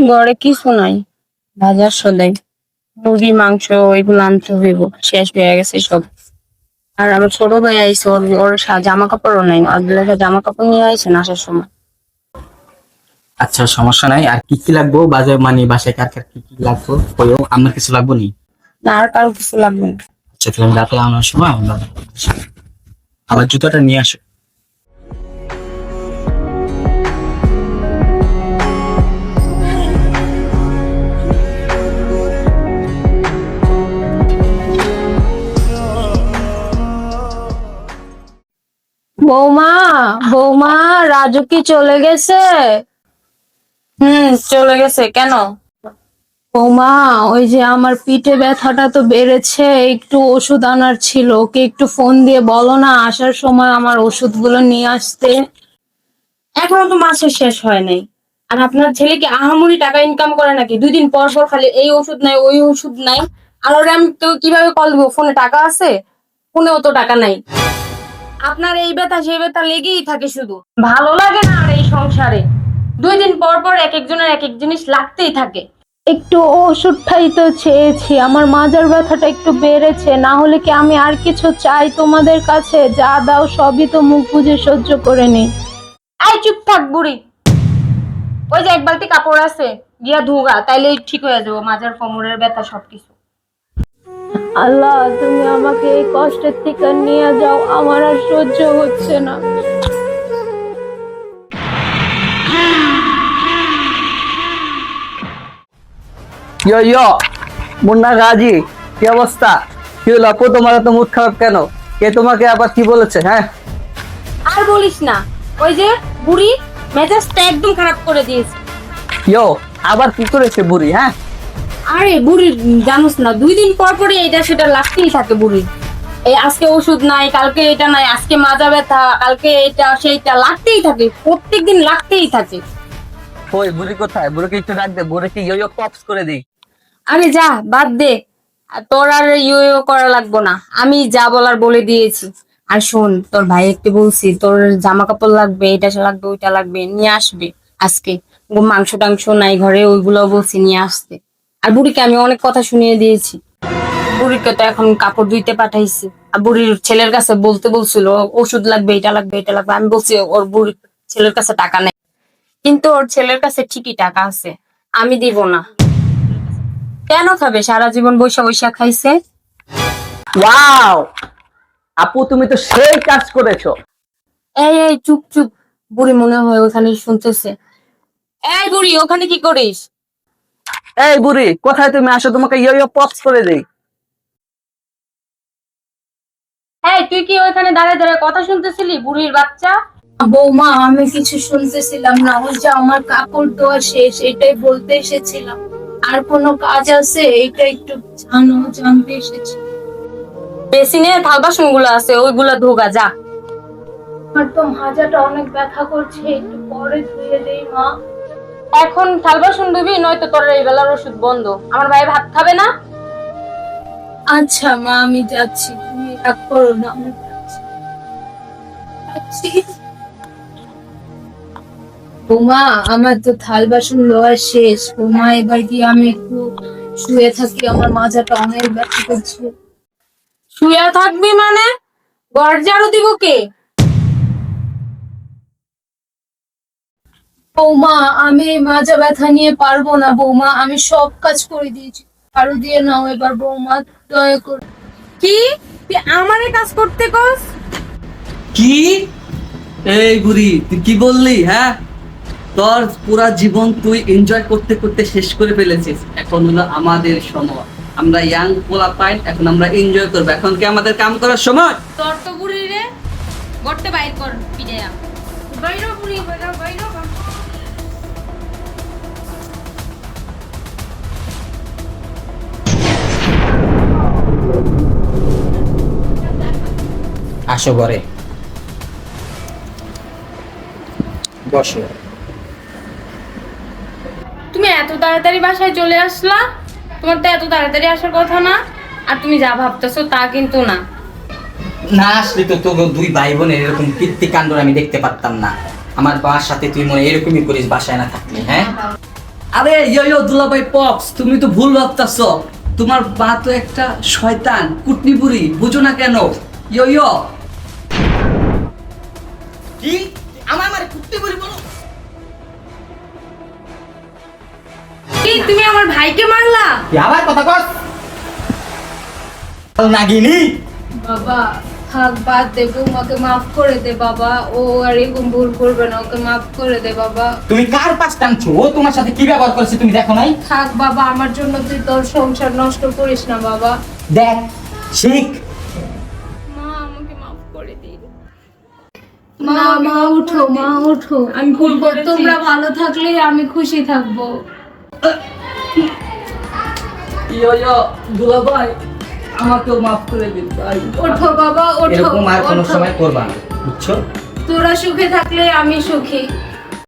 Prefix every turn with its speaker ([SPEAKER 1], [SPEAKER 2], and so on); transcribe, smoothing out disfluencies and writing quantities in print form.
[SPEAKER 1] ঘরে কিছু নাই, বাজার সদাই মুরগি মাংস এগুলো আনতে হইব, শেষ হয়ে গেছে সব। আর আমার ছোট ভাই আইসে, ওর জামা কাপড়ও নাই, আব্দুল্লাহ জামা কাপড় নিয়ে আইসে না আসার সময়।
[SPEAKER 2] আচ্ছা, সমস্যা নাই। আর কি কি লাগবো বাজার, মানে বাসায় কার কার কি কি লাগবো কইও, আমার কিছু লাগবো নি?
[SPEAKER 1] না, আর কারো কিছু লাগবে না।
[SPEAKER 2] আচ্ছা, তাহলে আমি রাতে আনার সময় আমার জুতাটা নিয়ে আসো।
[SPEAKER 1] বৌমা, বৌমা, রাজু কি চলে গেছে? চলে গেছে। কেন? বৌমা, ওই যে আমার পিঠে ব্যথাটা তো বেড়েছে, একটু ওষুধ আনার ছিল। ওকে একটু ফোন দিয়ে বলো না আসার সময় আমার ওষুধগুলো নিয়ে আসতে। এখনো তো মাসের শেষ হয় নাই। আর আপনার ছেলে কি আহামরি টাকা ইনকাম করে নাকি? 2 দিন পর পর খালি এই ওষুধ নাই, ওই ওষুধ নাই। আর ওরে আমি তো কিভাবে কল দিব? ফোনে টাকা আছে? ফোনেও তো টাকা নাই। আপনার এই ব্যথা সেই ব্যথা লেগেই থাকে শুধু। ভালো লাগে না আর এই সংসারে। 2 দিন পর পর এক একজনের এক এক জিনিস লাগতেই থাকে। একটু ওষুধটাই তো চেয়েছি, আমার মাজার ব্যথাটা একটু বেড়েছে, না হলে কি আমি আর কিছু চাই তোমাদের কাছে? যা দাও সবই তো মুখ বুজে সহ্য করে নি। আই চুপ থাক বুড়ি। ওই যে এক বালতি কাপড় আছে, গিয়া ধুগা, তাইলে ঠিক হয়ে যাবো মাজার কোমরের ব্যথা সবকিছু। আল্লাহ, তুমি আমাকে এই কষ্টের থেকে নিয়ে যাও, আমার আর সহ্য হচ্ছে না।
[SPEAKER 3] ইয়ো ইয়ো, মুন্না গাজী, কি অবস্থা? কি হলো আপু, তোমার এত মুড খারাপ কেন? কে তোমাকে আবার কি বলেছে? হ্যাঁ,
[SPEAKER 1] আর বলিস না, ওই যে বুড়ি মেজাজটা একদম খারাপ করে দিয়েছে।
[SPEAKER 3] ইয়ো, আবার কি করেছে বুড়ি? হ্যাঁ,
[SPEAKER 1] আরে বুড়ি, জানোস না 2 দিন পর পরে এটা সেটা লাগতেই থাকে বুড়ি। এই আজকে ওষুধ নাই, কালকে এটা নাই, আজকে মাজা ব্যথা, কালকে এটা সেইটা লাগতেই থাকে, প্রত্যেকদিন লাগতেই থাকে।
[SPEAKER 3] ওই বুড়ি কোথায়? বুড়িকে একটু ডাক দে, বুড়িকে ইয়ো ইয়ো পপস করে দিই।
[SPEAKER 1] আরে যা, বাদ দে। আর তোর আর ইউ ইউ করা লাগবো না, আমি যা বলার বলে দিয়েছি। আর শোন, তোর ভাই একটু বলছি, তোর জামা কাপড় লাগবে, এটা লাগবে, ওইটা লাগবে, নিয়ে আসবে আজকে। মাংস টাংস নাই ঘরে, ওইগুলো বলছি নিয়ে আসতে। আর বুড়িকে আমি অনেক কথা শুনিয়ে দিয়েছি। বুড়িকে তো এখন কাপড় ধুইতে পাঠাইছি। আর বুড়ির ছেলের কাছে বলতে বলছিল ওষুধ লাগবে, এটা লাগবে, এটা লাগবে। আমি বলছি ওর বুড়ির ছেলের কাছে টাকা নেই, কিন্তু ওর ছেলের কাছে ঠিকই টাকা আছে, আমি দিব না। কেন খাবে? সারা জীবন বৈশা বৈশা খাইছে।
[SPEAKER 3] ওয়াও, আপু তুমি তো সেই কাজ করেছো।
[SPEAKER 1] এই এই চুপ চুপ। বুড়ি মনে হয় ওখানে শুনতেছে। এই বুড়ি, ওখানে কি করিস?
[SPEAKER 3] এই বুড়ি কোথায় তুমি? আসো, তোমাকে ইয়ো ইয়ো পপস করে দিই।
[SPEAKER 1] এই তুই কি ওখানে দাঁড়ায় দাঁড়ায় কথা শুনতেছিলি, বুড়ির বাচ্চা? বৌমা, আমি কিছু শুনতেছিলাম না, ওই যে আমার কাপড় ধোয়া শেষ, এটাই বলতে এসেছিলাম। আর কোনো কাজ আছে? এটা একটু জানতে এসেছি। বেসিনে থাল বাসন গুলো আছে, ওইগুলা ধোগা যা। আমার তো মাজাটা অনেক ব্যথা করছে, একটু পরে ধুয়ে দেই মা। এখন থাল বাসন ধুবি, নয়তো তোর এই বেলার ওষুধ বন্ধ। আমার ভাই ভাত খাবে না। আচ্ছা মা, আমি যাচ্ছি, তুমি রাগ করো না, আমি যাচ্ছি। বৌমা, আমার তো থাল বাসন ধোয়া শেষ। বৌমা, এবার কি আমি একটু শুয়ে থাকি? আমার মাজাটা অনেক ব্যথা করছে। শুয়ে থাকবি মানে? ঘর ঝাড়ু দিব কে? বৌমা, আমি এই মাজা ব্যথা নিয়ে পারবো না বৌমা, আমি সব কাজ করে দিয়েছি। ঝাড়ু দিয়ে নাও এবার বৌমা, দয়া করে। কি তুই আমারে কাজ করতে কস?
[SPEAKER 3] কি? এই বুড়ি তুই কি বললি? হ্যাঁ, তোর পুরা জীবন তুই এনজয় করতে করতে শেষ করে ফেলেছিস। এখন হলো আমাদের সময়, আমরা ইয়াং পোলা পাইন, এখন আমরা এনজয় করবো। এখন কি আমাদের কাম করার সময়?
[SPEAKER 1] তোর তো বুড়ি রে, গড়তে বাইর কর পিড়াইয়া। বাইরো বুড়ি, বাইরো বাইরো।
[SPEAKER 2] আসো ঘরে বসো।
[SPEAKER 1] তুমি এত তাড়াতাড়ি বাসায় চলে আসলা? তোমার তো এত তাড়াতাড়ি আসার কথা না। আর তুমি যা ভাবতেছো তা কিন্তু না।
[SPEAKER 2] না আসলে তো তোর দুই ভাই বোনের এরকম কীর্তিকাণ্ড আমি দেখতে পারতাম না। আমার বাবার সাথে তুই মনে এরকমই করিস বাসায় না থাকলে? হ্যাঁ,
[SPEAKER 3] আরে ইয়ো দুলাভাই পপস, তুমি তো ভুল ভাবতাছো। তোমার মা তো একটা শয়তান, কুটনি বুড়ি, বুঝো না কেন? ইয়ো
[SPEAKER 2] কি আমার মানে কুত্তে বলি বলো?
[SPEAKER 1] কি তুমি আমার ভাইকে মারলা?
[SPEAKER 2] তুই আবার কথা কস নাগিনি।
[SPEAKER 1] বাবা থাক, বাদ দে, বৌমাকে মাফ করে দে বাবা। ও আর এরকম ভুল করবে না, ওকে মাফ করে দে বাবা।
[SPEAKER 2] তুমি কার পাশ টানছো? ও তোমার সাথে কি ব্যবহার করেছে তুমি দেখো নাই?
[SPEAKER 1] থাক বাবা, আমার জন্য তুই তোর সংসার নষ্ট করিস না বাবা।
[SPEAKER 2] দেখ শিখ।
[SPEAKER 1] মা আমাকে মাফ করে দিন। মা উঠো, মা উঠো। আমি ভুল করেছি। তোমরা ভালো থাকলে আমি খুশি থাকবো।
[SPEAKER 3] ইয়ো দুলাভাই, আমাকেও মাফ করে দিন ভাই।
[SPEAKER 1] ওঠো বাবা, ওঠো।
[SPEAKER 2] এরকম আর কোনো
[SPEAKER 1] ওঠো।
[SPEAKER 2] সময় করবা না, বুঝছো?
[SPEAKER 1] তোরা সুখে থাকলে আমি সুখী।